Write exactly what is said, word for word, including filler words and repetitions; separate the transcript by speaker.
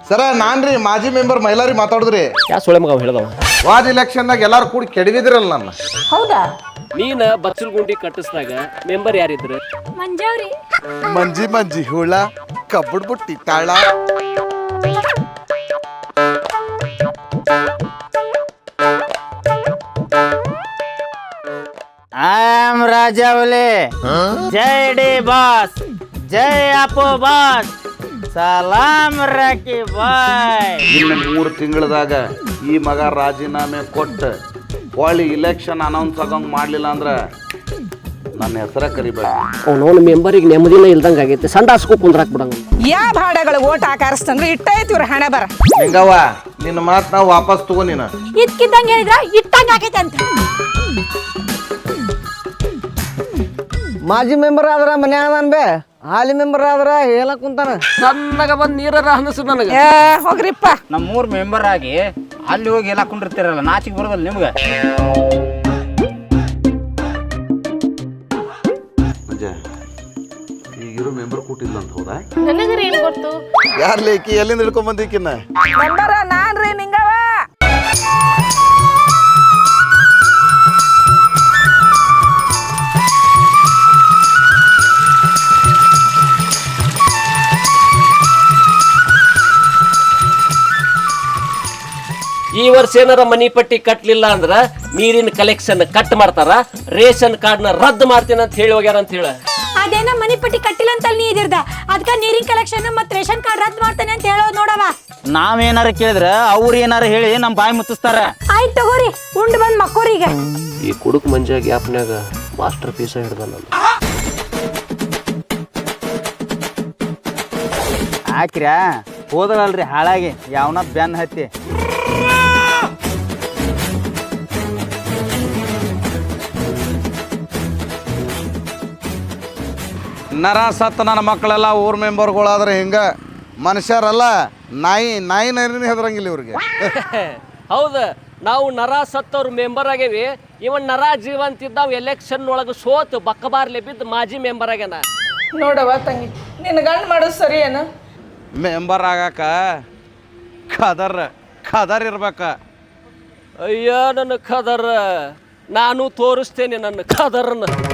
Speaker 1: ಸರ ನಾನ್ರಿ ಮಾಜಿ ಮೆಂಬರ್ ಮೈಲಾರಿ ಮಾತಾಡಿದ್ರಿ.
Speaker 2: ಯಾ ಸೊಳೆ ಮಗ ಹೇಳ್ದವ
Speaker 1: ವಾದ ಇಲೆಕ್ಷನ್ದಾಗ ಎಲ್ಲಾರು ಕೂಡಿ ಕೆಡವಿದ್ರಲ್ಲ ನನ್ನ.
Speaker 3: ಹೌದಾ?
Speaker 2: ನೀನ ಬಚ್ಚಲ್ ಗುಂಡಿ ಕಟ್ಟಿಸಿದಾಗ ಮೆಂಬರ್ ಯಾರಿದ್ರು?
Speaker 3: ಮಂಜಾವ್ರಿ.
Speaker 1: ಮಂಜಿ ಮಂಜಿ ಹುಳ ಕಬ್ಬುಡ್ ಬುಟ್ಟಿ ತಾಳ.
Speaker 4: ಆಮ್ ರಾಜಾವಲಿ ಜೈ ಡಿ ಬಾಸ್, ಜೈ ಅಪ್ಪು ಬಾಸ್, ಸಲಾಮ್ ರಾಕಿ ಬಾಯ್.
Speaker 1: ಇನ್ನು ಮೂರು ತಿಂಗಳದಾಗ ಈ ಮಗ ರಾಜೀನಾಮೆ ಕೊಟ್ಟು ಹೊಳ್ಳಿ ಇಲೆಕ್ಷನ್ ಅನೌನ್ಸ್ ಆಗಂಗ್ ಮಾಡ್ಲಿಲ್ಲ ಅಂದ್ರೆ ನನ್ನ ಹೆಸರ ಕರಿಬೇಡ.
Speaker 2: ಅವನವನ ಮೆಂಬರಿಗೆ ನೆಮ್ಮದಿನ ಇಲ್ದಂಗ ಆಗೈತೆ. ಸಂಡಾಸ್ಕೋ ಕುಂದ್ರಾಕ್ ಬಿಡಂಗ.
Speaker 3: ಯಾ ಭಾಡಗಳು ಓಟ್ ಹಾಕಾರಿಸ್ತಂದ್ರೆ ಇಟ್ಟೈತಿ ಇವ್ರ ಹಣೆ ಬರ.
Speaker 1: ಹೆಂಗವ್ವ ನಿನ್ನ ಮಾತು ನಾವು ವಾಪಸ್ ತಗೋ. ನೀನು
Speaker 3: ಇದ್ಕಿದ್ದಂಗ ಹೇಳಿದ್ರ ಇಟ್ಟಂಗ ಆಗೈತೆ ಅಂತ.
Speaker 4: ಮಾಜಿ ಮೆಂಬರ್ ಆದ್ರ ಮನ್ಯಾಗ ಬೇ, ಹಾಲಿ ಮೆಂಬರ್ ಆದ್ರ ಹೇಳಕ್ ಕುಂತಾನ.
Speaker 2: ಸಣ್ಣಗ ಬಂದ್ ನೀರ ಹನಸು ನನಗ.
Speaker 3: ಏ ಹೋಗ್ರಿಪ್ಪ.
Speaker 4: ನಮ್ಮ ಮೂರ್ ಮೆಂಬರ್ ಆಗಿ ಅಲ್ಲಿ ಹೋಗಿ ಹೇಳಕ್ ಕುಂಡಿರ್ತೀರಲ್ಲ, ನಾಚಿಗೆ ಬರೋದಲ್ಲ ನಿಮ್ಗೆ?
Speaker 1: ಈಗಿರೋ ಮೆಂಬರ್ ಕೂಟಿಲ್ಲ ಅಂತ ಹೌದಾ?
Speaker 3: ನನಗರ ಏನು ಗೊತ್ತು?
Speaker 1: ಯಾರ್ ಲೇಕಿ ಎಲ್ಲಿಂದ ಹಿಡ್ಕೊಂಡ್ ಬಂದಿಕ್ಕಿನ್ನ?
Speaker 3: ಮೆಂಬರ ನಾನ್ರಿ ನಿಂಗವ.
Speaker 2: ಈ ವರ್ಷ ಏನಾರ ಮನಿ ಪಟ್ಟಿ ಕಟ್ಲಿಲ್ಲ ಅಂದ್ರ ನೀರಿನ ಕಲೆಕ್ಷನ್ ಕಟ್ ಮಾಡ್ತಾರ, ರೇಷನ್ ಕಾರ್ಡ್ ನ ರದ್ದು ಮಾಡ್ತೀನಿ ಅಂತ ಹೇಳಿ ಹೋಗ್ಯಾರ ಅಂತ ಹೇಳ.
Speaker 3: ಅದೇನ ಮನಿ ಪಟ್ಟಿ ಕಟ್ಟಿಲ್ಲ ಅಂತ ನೀ ಇದಿರ್ದ, ಅದಕ್ಕ ನೀರಿನ ಕಲೆಕ್ಷನ್ ಮತ್ ರೇಷನ್ ಕಾರ್ಡ್ ರದ್ದು ಮಾಡ್ತಾನೆ ಅಂತ ಹೇಳೋದು ನೋಡವ.
Speaker 4: ನಾವ್ ಏನಾರ ಕೇಳಿದ್ರ ಅವ್ರ ಏನಾರ ಹೇಳಿ ನಮ್ ಬಾಯಿ ಮುತ್ತಿಸ್ತಾರ.
Speaker 3: ಆಯ್ತು ತಗೋರಿ, ಉಂಡ್ ಬಂದ್ ಮಕ್ಕೋರಿಗೆ.
Speaker 2: ಈ ಕುಡುಕ್ ಮಂಜ ಗ್ಯಾಪ್ನ್ಯಾಗ ಮಾಸ್ಟರ್ ಪೀಸ ಹಿಡ್ದ ನಾನು.
Speaker 4: ಹಾಕ್ರ್ಯಾ ಹೋದಳಲ್ರಿ ಹಾಳಾಗಿ ಯಾವನ ಬೆನ್ ಹತ್ತಿ.
Speaker 1: ನರ ಸತ್ತ ನನ್ನ ಮಕ್ಕಳೆಲ್ಲ ಊರ್ ಮೆಂಬರ್ಗಳಾದ್ರೆ ಹಿಂಗ ಮನುಷ್ಯರಲ್ಲ, ನಾಯಿ ನಾಯಿ ನರಿನೇ ಹೆದರಂಗಿಲ್ಲ ಇವ್ರಿಗೆ.
Speaker 2: ಹೌದ, ನಾವು ನರ ಸತ್ತವ್ರ ಮೆಂಬರ್ ಆಗೇವಿ. ಇವನ್ ನರ ಜೀವಂತಿದ್ದಾವ್ ಎಲೆಕ್ಷನ್ ಒಳಗ ಸೋತ್ ಬಕ್ಕಬಾರ್ಲೆ ಬಿದ್ದು ಮಾಜಿ ಮೆಂಬರ್ ಆಗ್ಯಾನ.
Speaker 3: ನೋಡವ ತಂಗಿ, ನಿನ್ನ ಗಂಡ್ ಮಾಡೋದು ಸರಿ ಏನು?
Speaker 1: ಮೆಂಬರ್ ಆಗಾಕ ಖದರ್ ಖದರ್ ಇರ್ಬೇಕ.
Speaker 2: ಅಯ್ಯ ನನ್ನ ಖದರ್, ನಾನು ತೋರಿಸ್ತೇನೆ ನನ್ನ ಖದರ್ನ.